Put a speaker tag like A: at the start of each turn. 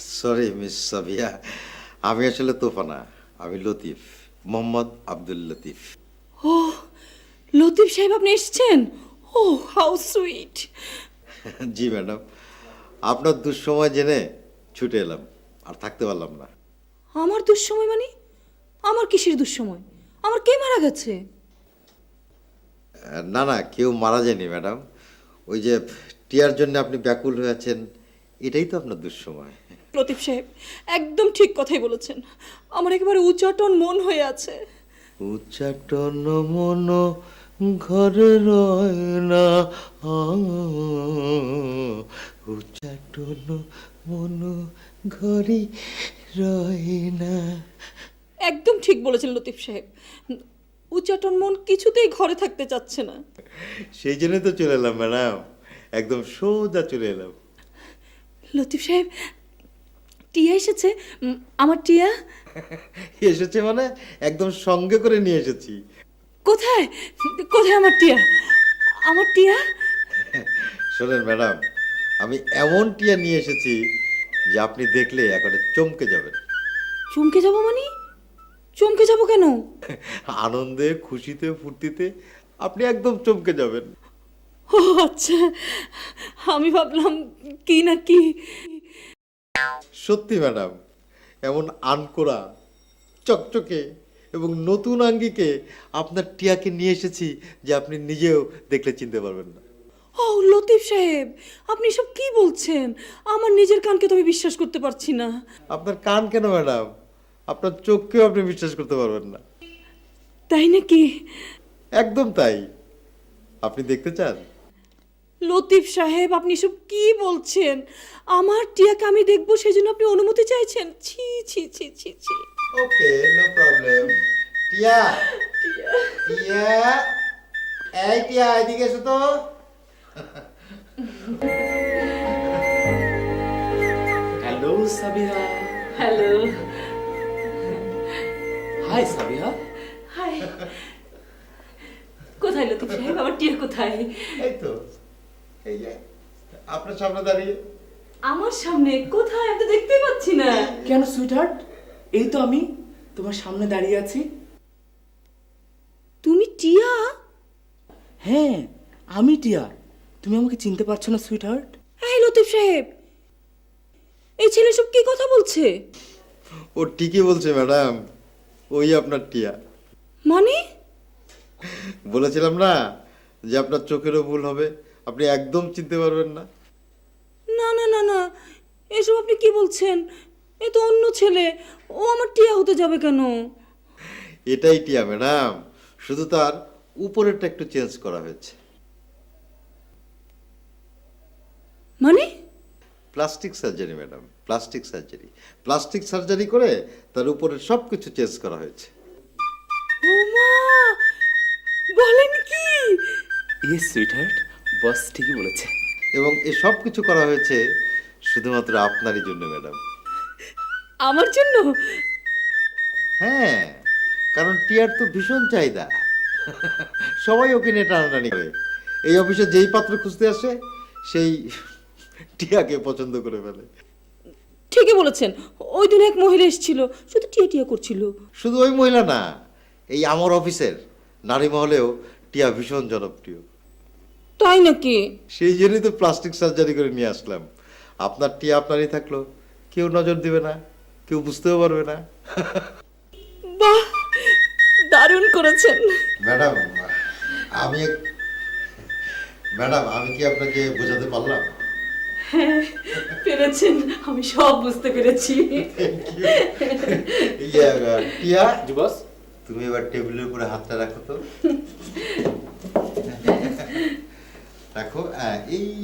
A: Sorry miss Sabia, আমি আসলে তোফানা, আমি লতিফ, মোহাম্মদ আব্দুল লতিফ।
B: ও লতিফ সাহেব আপনি এসেছেন? Oh how sweet.
A: জি ম্যাডাম, আপনার দুঃসময় জেনে ছুটে এলাম, আর থাকতে পারলাম না।
B: আমার দুঃসময় মানে? আমার কিসের দুঃসময়? আমার কে মারা গেছে?
A: না না, কেউ মারা যায়নি ম্যাডাম। ওই যে টিয়ার জন্য আপনি ব্যাকুল হয়ে আছেন, এটাই তো আপনার দুঃসময়।
B: লতিফ সাহেব একদম ঠিক কথাই বলেছেন। আমার একেবারে উচ্চাটন মন হয়ে আছে।
A: উচ্চাটন মন ঘরে রয় না, উচ্চাটন মন ঘরে রয় না।
B: একদম ঠিক বলেছেন লতিফ সাহেব। উচ্চাটন মন কিছুতেই ঘরে থাকতে চাচ্ছে না।
A: সেই জন্যই তো চলে এলাম ম্যাডাম, একদম সোজা চলে এলাম।
B: লতিফ সাহেব টিয়া এসেছে। আমার টিয়া
A: এসেছে মানে একদম সঙ্গে করে নিয়ে এসেছি।
B: কোথায়? কোথায় আমার টিয়া? আমার টিয়া?
A: শোনেন ম্যাডাম, আমি এমন টিয়া নিয়ে এসেছি যে আপনি দেখলে একেবারে চমকে যাবেন।
B: চমকে যাব মানে? চমকে যাব কেন?
A: আনন্দে, খুশিতে, ফুর্তিতে আপনি একদম চমকে যাবেন।
B: ও আচ্ছা, আমি ভাবলাম কি না কি।
A: সত্যি ম্যাডাম, এমন আনকোরা, চকচকে এবং নতুন আঙ্গিকে আপনার টিয়াকে নিয়ে এসেছি যে আপনি নিজেও দেখলে চিনতে পারবেন না।
B: ও লতিফ সাহেব, আপনি সব কি বলছেন? আমার নিজের কানকে তো আমি বিশ্বাস করতে পারছি না।
A: আপনার কান কেন ম্যাডাম, আপনার চোখকেও আপনি বিশ্বাস করতে পারবেন না।
B: তাই নাকি?
A: একদম তাই। আপনি দেখতে চান?
B: লতিফ সাহেব আপনি সব কি বলছেন? আমার টিয়াকে আমি দেখবো সেজন্য আপনি অনুমতি চাইছেন? ছি ছি ছি ছি ছি।
A: Okay, no problem. Tia, Tia, এই টিয়া, এদিকে এসো তো।
C: Hello Sabiha.
B: Hello.
C: Hi Sabiha.
B: Hi. কোথায় লতিফ সাহেব? আমার টিয়া কোথায়?
A: এই তো, এই যে আপনার সামনে দাঁড়িয়ে।
B: আমার সামনে কোথায়? আমি তো দেখতেই পাচ্ছি না।
C: কেন সুইটহার্ট, এই তো আমি তোমার সামনে দাঁড়িয়ে আছি।
B: তুমি টিয়া?
C: হ্যাঁ, আমি টিয়া। তুমি আমাকে চিনতে পারছো না সুইটহার্ট?
B: এই লতিফ সাহেব, এই ছেলে সব কি কথা বলছে?
A: ও ঠিকই বলছে ম্যাডাম, ওই আপনার টিয়া।
B: মানে?
A: বলেছিলাম না যে আপনার চোখেরও ভুল হবে, আপনি একদম চিনতে পারবেন না।
B: না না না না, এসব আপনি কি বলছেন? এ তো অন্য ছেলে, ও আমার টিয়া হতে যাবে কেন?
A: এটাই টিয়া ম্যাডাম, শুধু তার উপরেরটা একটু চেঞ্জ করা হয়েছে।
B: মানে?
A: Plastic surgery madam, plastic surgery. Plastic surgery করে তার উপরের সব কিছু চেঞ্জ করা হয়েছে।
B: ও মা, বলেন কি?
C: ইয়েস সুইটহার্ট, বস ঠিকই বলেছে।
A: এবং এই সব কিছু করা হয়েছে শুধুমাত্র আপনারই জন্য ম্যাডাম।
B: আমার জন্য?
A: হ্যাঁ, কারণ টিয়ার তো ভীষণ চাহিদা, সবাই ওকে নিয়ে টানাটানি করে। এই অফিসে যেই পাত্র খুঁজতে আসে সেই টিয়াকে পছন্দ করে ফেলে।
B: ঠিকই বলেছেন, ওই দিন এক মহিলা এসেছিল, শুধু টিয়া টিয়া করছিল।
A: শুধু ওই মহিলা না, এই আমার অফিসের নারী মহলেও টিয়া ভীষণ জনপ্রিয়।
B: তাই নাকি?
A: সেই জন্যই তো প্লাস্টিক সার্জারি করে নিয়ে আসলাম। আপনার টিয়া আপনারই থাকলো, কেউ নজর দিবে না, কেউ বুঝতেও পারবে না।
B: বাহ, দারুণ করেছেন।
A: ম্যাডাম, আমি ম্যাডাম আমি কি আপনাকে বোঝাতে পারলাম?
B: হ্যাঁ পেরেছেন, আমি সব বুঝতে পেরেছি।
A: টিয়া,
C: জি বস।
A: তুমি এবার টেবিলের উপরে হাতটা রাখো তো। রাখো, এই